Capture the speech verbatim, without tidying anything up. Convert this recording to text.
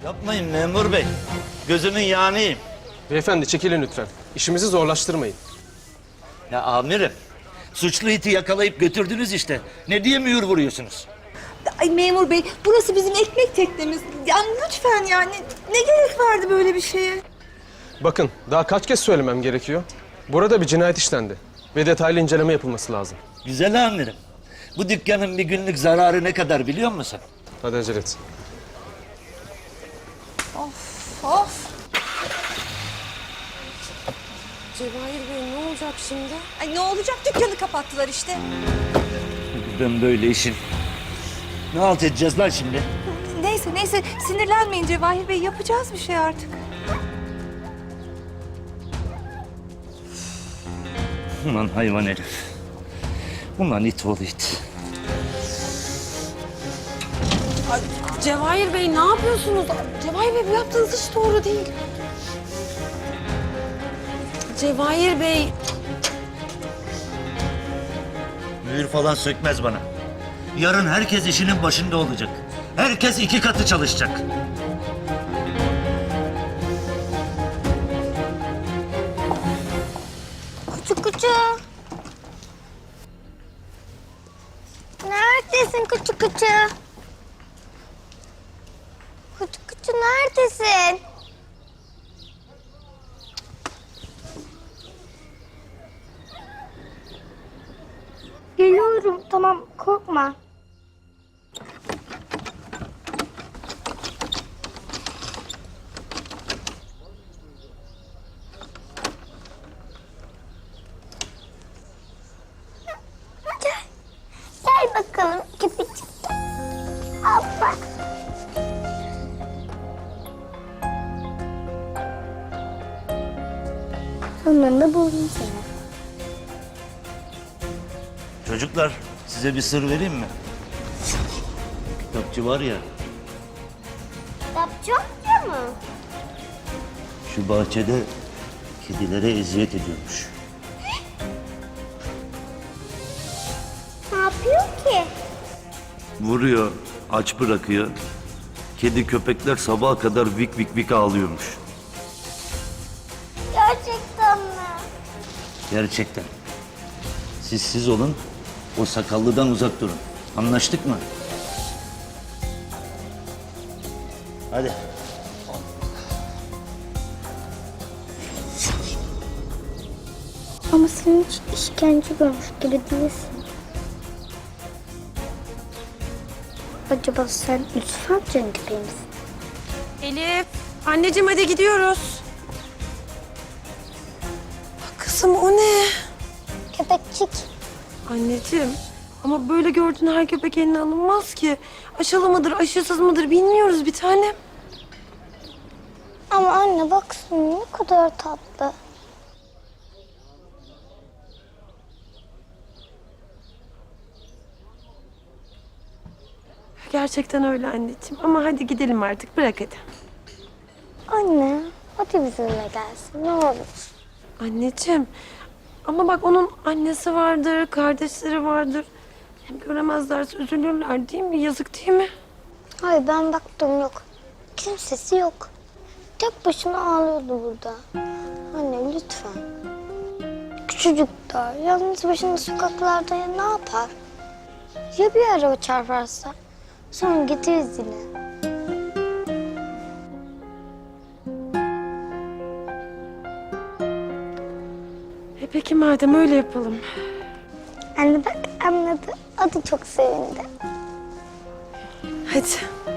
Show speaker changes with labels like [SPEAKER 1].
[SPEAKER 1] Yapmayın memur bey. Gözünün yağınıyım.
[SPEAKER 2] Beyefendi çekilin lütfen. İşimizi zorlaştırmayın.
[SPEAKER 1] Ya amirim, suçlu iti yakalayıp götürdünüz işte. Ne diye mühür vuruyorsunuz?
[SPEAKER 3] Ay memur bey, burası bizim ekmek teknemiz. Yani lütfen yani ne gerek vardı böyle bir şeye?
[SPEAKER 2] Bakın daha kaç kez söylemem gerekiyor. Burada bir cinayet işlendi ve detaylı inceleme yapılması lazım.
[SPEAKER 1] Güzel amirim. Bu dükkanın bir günlük zararı ne kadar biliyor musun?
[SPEAKER 2] Hadi acele et.
[SPEAKER 3] Of.
[SPEAKER 4] Cevahir Bey ne olacak şimdi?
[SPEAKER 3] Ay ne olacak, dükkanı kapattılar işte.
[SPEAKER 1] Ben böyle işin. Ne halt edeceğiz lan şimdi?
[SPEAKER 3] Neyse neyse sinirlenmeyin Cevahir Bey, yapacağız bir şey artık.
[SPEAKER 1] Ulan hayvan herif. Ulan it ol it.
[SPEAKER 4] Cevahir Bey ne yapıyorsunuz? Cevahir Bey bu yaptığınız hiç doğru değil. Cevahir Bey.
[SPEAKER 1] Mühür falan sökmez bana. Yarın herkes işinin başında olacak. Herkes iki katı çalışacak.
[SPEAKER 5] Kuçu kuçu. Neredesin kuçu kuçu? Kuçu kuçu neredesin? Geliyorum, tamam, korkma. Gel. Gel bakalım köpecik. Hoppa. Sonunda buldum seni.
[SPEAKER 1] Çocuklar, size bir sır vereyim mi? Kitapçı var ya,
[SPEAKER 5] Kitapçı amca mı?
[SPEAKER 1] şu bahçede kedilere eziyet ediyormuş.
[SPEAKER 5] Ne yapıyor ki?
[SPEAKER 1] Vuruyor, aç bırakıyor. Kedi köpekler sabaha kadar vik vik vik ağlıyormuş.
[SPEAKER 5] Gerçekten mi?
[SPEAKER 1] Gerçekten. Siz siz olun, o sakallıdan uzak durun. Anlaştık mı? Hadi.
[SPEAKER 5] Ama sen hiç işkence görmüş gibi değilsin. Acaba sen Yusuf amcanın gibi misin?
[SPEAKER 4] Elif. Anneciğim hadi gidiyoruz. Kızım o ne?
[SPEAKER 5] Köpekçik.
[SPEAKER 4] Anneciğim ama böyle gördüğün her köpek eline alınmaz ki. Aşılı mıdır, aşısız mıdır bilmiyoruz bir tanem.
[SPEAKER 5] Ama anne baksana ne kadar tatlı.
[SPEAKER 4] Gerçekten öyle anneciğim ama hadi gidelim artık bırak hadi.
[SPEAKER 5] Anne hadi bizimle gelsin ne olur.
[SPEAKER 4] Anneciğim ama bak onun annesi vardır, kardeşleri vardır. Hem göremezlerse üzülürler değil mi? Yazık değil mi?
[SPEAKER 5] Hayır ben baktım yok. Kimsesi yok. Tek başına ağlıyordu burada. Anne lütfen. Küçücük daha yalnız başına sokaklarda ya ne yapar? Ya bir araba çarparsa? Sonra getiririz yine.
[SPEAKER 4] E peki madem öyle yapalım.
[SPEAKER 5] Anne bak anladı. O da çok sevindi.
[SPEAKER 4] Hadi.